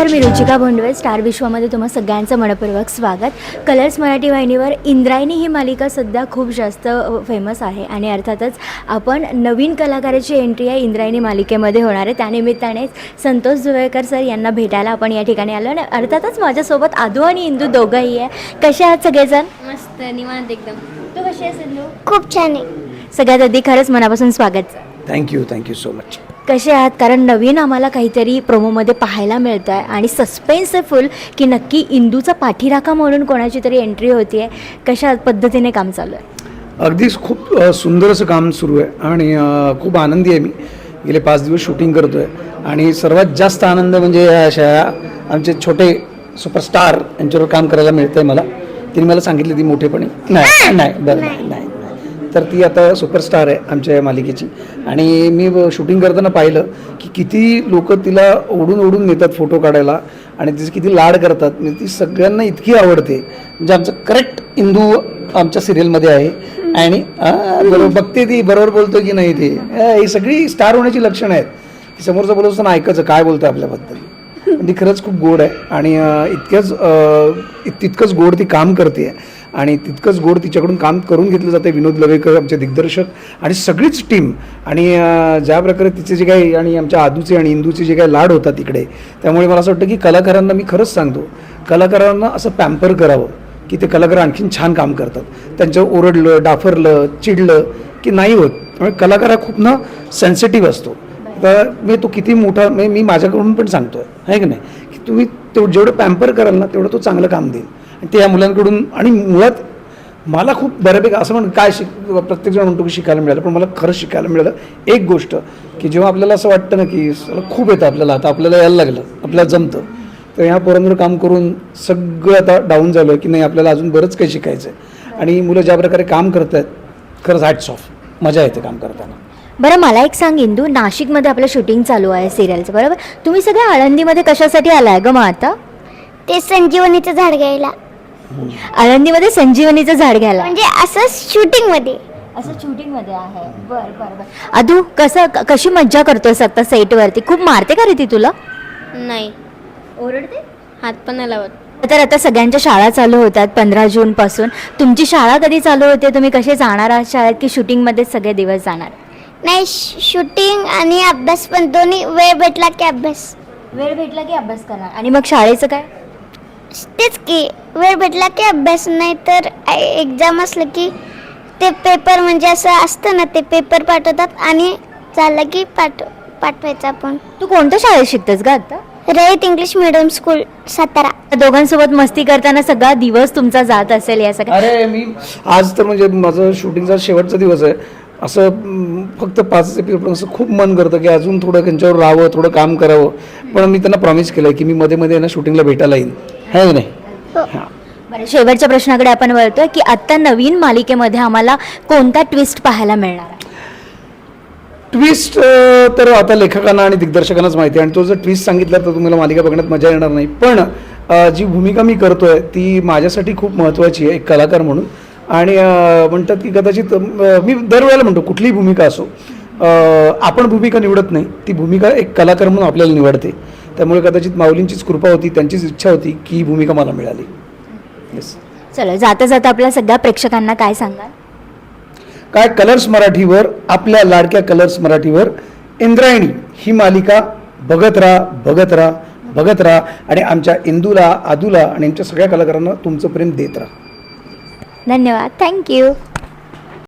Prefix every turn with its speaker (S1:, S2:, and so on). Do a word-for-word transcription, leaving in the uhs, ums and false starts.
S1: नमस्कार, मी रुचिका भोंडवे. स्टार विश्वामध्ये तुम्हा सगळ्यांचं मनपूर्वक स्वागत. कलर्स मराठी वाहिनीवर इंद्रायणी ही मालिका सध्या खूप जास्त फेमस आहे आणि अर्थातच आपण नवीन कलाकाराची एंट्री आहे इंद्रायणी मालिकेमध्ये होणार आहे. त्यानिमित्ताने संतोष जुवेकर सर यांना भेटायला आपण या ठिकाणी आलो आणि अर्थातच माझ्यासोबत आदू आणि इंदू दोघंही आहे. कसे आहात सगळेजण?
S2: मस्त निवांत एकदम.
S1: तू कशी आहेस इंदू?
S2: खूप छान आहे.
S1: सगळ्यात आधी खरंच मनापासून स्वागत.
S3: Thank you thank you so much.
S1: कसे आहात? कारण नवीन आम्हाला काहीतरी प्रोमोमध्ये पाहायला मिळतं आहे आणि सस्पेन्स आहे फुल की नक्की इंदूचा पाठीराखा म्हणून कोणाची तरी एंट्री होती आहे. कशा पद्धतीने काम चालू आहे?
S3: अगदीच खूप अ, सुंदर असं काम सुरू आहे आणि अ, खूप आनंदी आहे. मी गेले पाच दिवस शूटिंग करतो आहे आणि सर्वात जास्त आनंद म्हणजे या अशा आमचे छोटे सुपरस्टार यांच्यावर काम करायला मिळतं आहे मला. तिने मला सांगितली ती मोठेपणी नाही नाही बरं नाही नाही तर ती आता सुपरस्टार आहे आमच्या मालिकेची. आणि मी शूटिंग करताना पाहिलं की किती लोक तिला ओढून ओढून नेतात फोटो काढायला आणि तिचे किती लाड करतात. म्हणजे ती सगळ्यांना इतकी आवडते. म्हणजे आमचं करेक्ट इंदू आमच्या सिरियलमध्ये आहे आणि बरोबर बघते ती, बरोबर बोलतो की नाही ती. ही सगळी स्टार होण्याची लक्षणं आहेत की समोरचं बोलत असताना ऐकायचं काय बोलतं आपल्याबद्दल. ती खरंच खूप गोड आहे आणि इतक्याच तितकंच गोड ती काम करते आणि तितकंच गोड तिच्याकडून काम करून घेतलं जातं. विनोद लवेकर आमचे दिग्दर्शक आणि सगळीच टीम आणि ज्या प्रकारे तिचे जे काही आणि आमच्या आदूचे आणि इंदूचे जे काही लाड होतात तिकडे, त्यामुळे मला असं वाटतं की कलाकारांना मी खरंच सांगतो, कलाकारांना असं पॅम्पर करावं की ते कलाकार आणखीन छान काम करतात. त्यांच्यावर ओरडलं, डाफरलं, चिडलं की नाही होत. त्यामुळे कलाकार हा खूप ना सेन्सिटिव्ह असतो. तर मी तो किती मोठा म्हणजे मी माझ्याकडून पण सांगतो आहे की नाही की तुम्ही तेवढं जेवढं पॅम्पर कराल ना तेवढं तो चांगलं काम देईल. ते या मुलांकडून आणि मुळात मला खूप बऱ्यापैकी असं म्हण काय शिक प्रत्येकजण म्हणतो की शिकायला मिळालं, पण मला खरंच शिकायला मिळालं एक गोष्ट की जेव्हा आपल्याला असं वाटतं ना की खूप येतं आपल्याला, आता आपल्याला यायला लागलं, आपल्याला जमतं, तर ह्या पोरांवर काम करून सगळं आता डाऊन झालं की नाही आपल्याला अजून बरंच काही शिकायचं आहे. आणि मुलं ज्या प्रकारे काम करत आहेत खरंच हॅट्स ऑफ, मजा येते काम करताना.
S1: बरं मला एक सांग इंदू, नाशिकमध्ये आपलं शूटिंग चालू आहे सिरियलचं, बरोबर? तुम्ही सगळ्या आळंदीमध्ये कशासाठी आलाय ग मग आता?
S2: ते संजीवनीचं झाड घ्यायला.
S1: आळंदीमध्ये संजीवनीचं झाड घ्यायला
S2: म्हणजे असं शूटिंग मध्ये.
S1: असं शूटिंग मध्ये आहे. बरं बरं बरं. अदू कसं क- कशी मज्जा करतोय आता सेटवरती? खूप मारते का रे ती तुला?
S2: नाही,
S1: ओरडते?
S2: हात पण नाही लावत.
S1: तर आता सगळ्यांच्या शाळा चालू होतात पंधरा जून पासून. तुमची शाळा कधी चालू होते? तुम्ही कसे जाणार आहात शाळेत की शूटिंगमध्येच सगळे दिवस जाणार?
S2: नाही, शूटिंग आणि अभ्यास पण दोन्ही. वेळ भेटला की अभ्यास.
S1: वेळ भेटला की अभ्यास करणार. आणि मग शाळेचं काय?
S2: तेच की, वेळ भेटला की अभ्यास, नाही तर एक्झाम असलं की ते पेपर म्हणजे असं असतं ना, ते पेपर पाठवतात आणि झालं की पाठव पाठवायचं आपण.
S1: तू कोणत्या शाळेत शिकतेस ग आता?
S2: Rayat English medium school Satara.
S1: दोघांसोबत मस्ती करताना सगळा दिवस तुमचा जात असेल या सगळ्या.
S3: अरे मी आज तर म्हणजे माझं शूटिंगचा शेवटचा दिवस आहे. असं म, फक्त पाच एपिसोड असं खूप मन करतं की अजून थोडं त्यांच्यावर राहावं, थोडं काम करावं. पण मी त्यांना प्रॉमिस केलं की मी मध्ये मध्ये ना शूटिंगला भेटायला येईन, है की नाही? हां.
S1: बरं, शेवटच्या प्रश्नाकडे आपण वळतोय की आता नवीन मालिकेमध्ये आम्हाला कोणता ट्विस्ट पाहायला मिळणार आहे?
S3: ट्विस्ट तर आता लेखकांना आणि दिग्दर्शकांनाच माहिती आहे आणि तो जर ट्विस्ट सांगितला तर तुम्हाला मालिका बघण्यात मजा येणार नाही. पण अ, जी भूमिका मी करतोय ती माझ्यासाठी खूप महत्त्वाची आहे एक कलाकार म्हणून. आणि अ, म्हणतात की कदाचित अ, मी दरवेळेला म्हणतो कुठलीही भूमिका असो, अ, आपण भूमिका निवडत नाही, ती भूमिका एक कलाकार म्हणून आपल्याला निवडते. त्यामुळे कदाचित माऊलींचीच कृपा होती, त्यांचीच इच्छा होती की ही भूमिका मला मिळाली. येस.
S1: चलो, जाता जाता आपल्या सगळ्या प्रेक्षकांना काय सांगाल?
S3: काय, कलर्स मराठीवर, आपल्या लाडक्या कलर्स मराठीवर इंद्रायणी ही मालिका बघत राहा, बघत राहा, बघत राहा आणि आमच्या इंदूला, आदूला आणि आमच्या सगळ्या कलाकारांना तुमचं प्रेम देत राहा.
S1: धन्यवाद. थँक्यू.